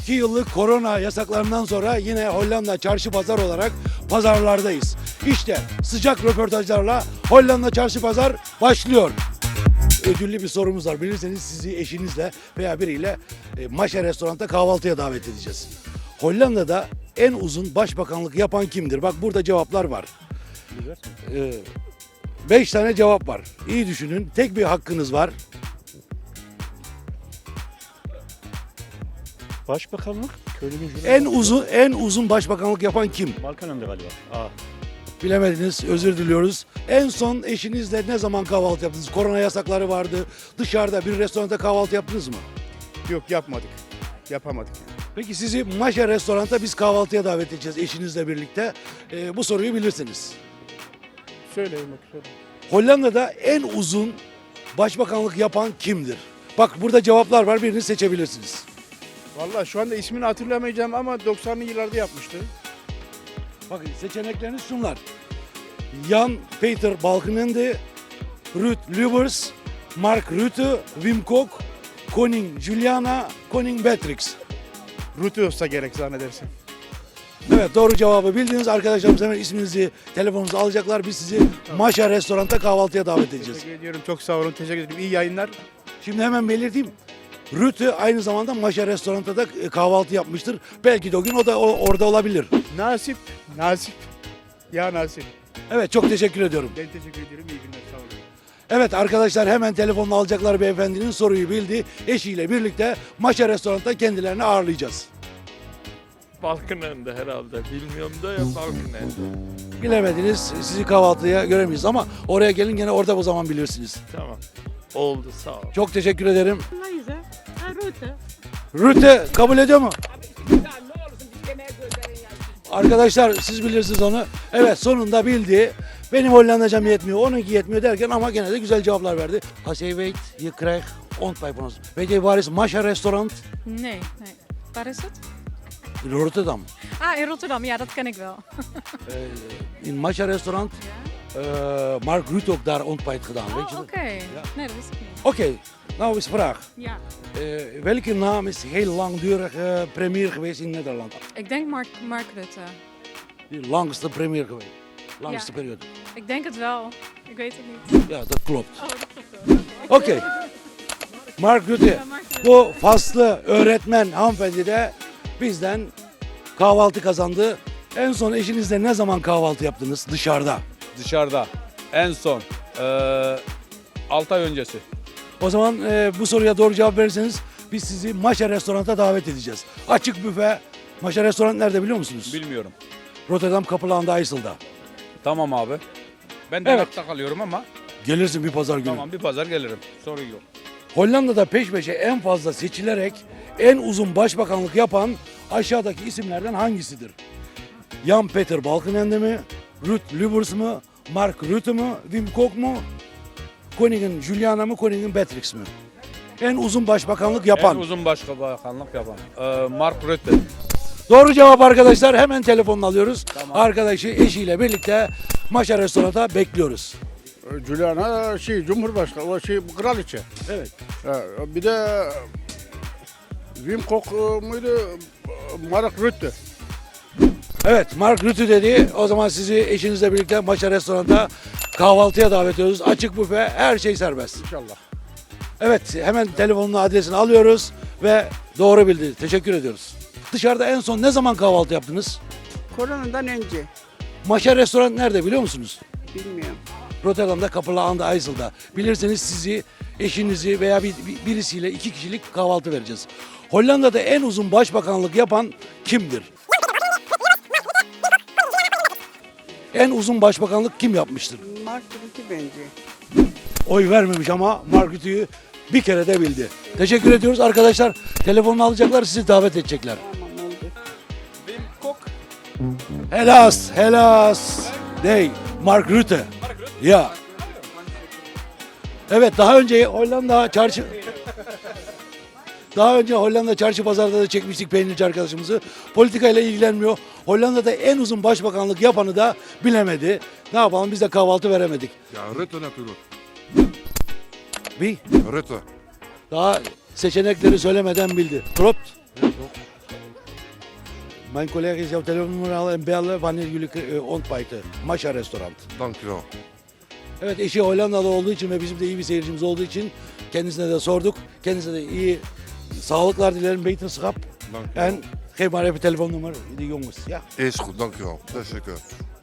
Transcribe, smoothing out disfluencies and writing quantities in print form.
2 yıllık korona yasaklarından sonra yine Hollanda çarşı pazar olarak pazarlardayız. İşte sıcak röportajlarla Hollanda çarşı pazar başlıyor. Ödüllü bir sorumuz var. Bilirseniz sizi eşinizle veya biriyle Maşa restoranda kahvaltıya davet edeceğiz. Hollanda'da en uzun başbakanlık yapan kimdir? Bak burada cevaplar var. 5 tane cevap var. İyi düşünün. Tek bir hakkınız var. Başbakanlık köylünün En uzun başbakanlık yapan kim? Balkan'ında galiba. Aa. Bilemediniz. Özür diliyoruz. En son eşinizle ne zaman kahvaltı yaptınız? Korona yasakları vardı. Dışarıda bir restoranda kahvaltı yaptınız mı? Yok yapmadık. Yapamadık. Peki sizi Maşa restoranda biz kahvaltıya davet edeceğiz eşinizle birlikte. Bu soruyu bilirsiniz. Söyleyin bak söyle. Hollanda'da en uzun başbakanlık yapan kimdir? Bak burada cevaplar var. Birini seçebilirsiniz. Vallahi şu anda ismini hatırlamayacağım ama 90'lı yıllarda yapmıştı. Bakın seçenekleriniz şunlar. Jan Peter Balkenende, Ruud Lubbers, Mark Rutte, Wim Kok, Koning Juliana, Koning Beatrix. Ruti olsa gerek zannedersem. Evet doğru cevabı bildiniz. Arkadaşlarımız hemen isminizi, telefonunuzu alacaklar. Biz sizi Maşa restoranda kahvaltıya davet edeceğiz. Teşekkür ediyorum. Çok sağ olun. Teşekkür ederim. İyi yayınlar. Şimdi hemen belirteyim. Rutte aynı zamanda Maşa restoranda da kahvaltı yapmıştır. Belki de o gün o da orada olabilir. Nasip. Nasip. Ya nasip. Evet çok teşekkür ediyorum. Ben teşekkür ediyorum. İyi günler. Sağ olun. Evet arkadaşlar hemen telefonla alacaklar beyefendinin soruyu bildi. Eşiyle birlikte Maşa restoranda kendilerini ağırlayacağız. Balkanende herhalde. Bilmiyorum da ya Balkanende. Bilemediniz sizi kahvaltıya göremeyiz ama oraya gelin gene orada o zaman bilirsiniz. Tamam. Oldu sağ ol. Çok teşekkür ederim. Mayısa, Rutte. Rutte kabul ediyor mu? Arkadaşlar siz bilirsiniz onu. Evet sonunda bildi. Benim Hollandacam yetmiyor, onunki yetmiyor derken ama gene de güzel cevaplar verdi. Als je weet, je krijgt ontbijt van ons. Weet je waar is Maşa restaurant? Nee, nee. Waar is het? In Rotterdam. Ah, in Rotterdam. Ja, dat ken ik wel. In Maşa restaurant. Mark Rutte ook daar ontbijt gedaan, weet je Oh, dat? oké. Nee, dat wist ik niet. Oké, nou is vraag. Ja. Welke naam is heel langdurig premier geweest in Nederland? Ik denk Mark Rutte. De langste premier geweest. Langste Ja. periode. Ik denk het wel. Ik weet het niet. Ja, dat klopt. Oh, dat klopt wel. Oké. Mark Rutte. Ja, Mark Rutte. Bu faslı öğretmen hanımefendi de bizden kahvaltı kazandı. En son eşinizle ne zaman kahvaltı yaptınız dışarıda? Dışarıda en son 6 ay öncesi. O zaman bu soruya doğru cevap verirseniz biz sizi Maşa restoranta davet edeceğiz. Açık büfe. Maşa restoran nerede biliyor musunuz? Bilmiyorum. Rotterdam Kapılan'da Aysel'da. Tamam abi. Ben Evet. Denak'ta kalıyorum ama Gelirsin bir pazar günü. tamam bir pazar gelirim. Sorun yok. Hollanda'da peş peşe en fazla seçilerek en uzun başbakanlık yapan aşağıdaki isimlerden hangisidir? Jan Peter Balkenende mi? Ruud Lubbers mı? Mark Rutte mu? Wim Kok mu? Koningin Juliana mı? Koningin Beatrix mi? En uzun başbakanlık yapan. En uzun başbakanlık yapan. Mark Rutte. Doğru cevap arkadaşlar. Hemen telefonunu alıyoruz. Arkadaşı eşiyle birlikte Maşa restoranda bekliyoruz. Juliana Cumhurbaşkanı, o kraliçe. Evet. Bir de Wim Kok muydu? Mark Rutte. Evet Mark Rutte dedi. O zaman sizi eşinizle birlikte Maşa restoranda kahvaltıya davet ediyoruz. Açık büfe, her şey serbest. İnşallah. Evet hemen telefonunu adresini alıyoruz ve doğru bildi. Teşekkür ediyoruz. Dışarıda en son ne zaman kahvaltı yaptınız? Koronadan önce Maşa restoran nerede biliyor musunuz? bilmiyorum. Rotterdam'da Kapılan'da Aysel'da. Bilirseniz sizi, eşinizi veya birisiyle 2 kişilik kahvaltı vereceğiz. Hollanda'da en uzun başbakanlık yapan kimdir? En uzun başbakanlık kim yapmıştır? Mark Rutte bence. Oy vermemiş ama Mark Rutte'yi bir kere de bildi. Teşekkür ediyoruz arkadaşlar. Telefonunu alacaklar, sizi davet edecekler. Tamam oldu. Wim Kok. Helas. Dey, Mark Rutte. Ya. Evet daha önce Hollanda çarşı pazarda da çekmiştik peynirci arkadaşımızı. Politikayla ilgilenmiyor. Hollanda'da en uzun başbakanlık yapanı da bilemedi. Ne yapalım biz de kahvaltı veremedik. Ja, Rutte natuurlijk. Bir Rutte. daha seçenekleri söylemeden bildi. Klopt. Mijn collega is jouw telefoonnummer al en bellen wanneer jullie ontbijten. Masha restaurant. Dankjewel. Evet, eşi Hollanda'da olduğu için ve bizim de iyi bir seyircimiz olduğu için kendisine de sorduk. Kendisine de iyi sağlıklar dilerim, beterschap. Dankjewel. En geef maar even telefoonnummer, die jongens. Ja. Is goed, dankjewel. Teşekkür.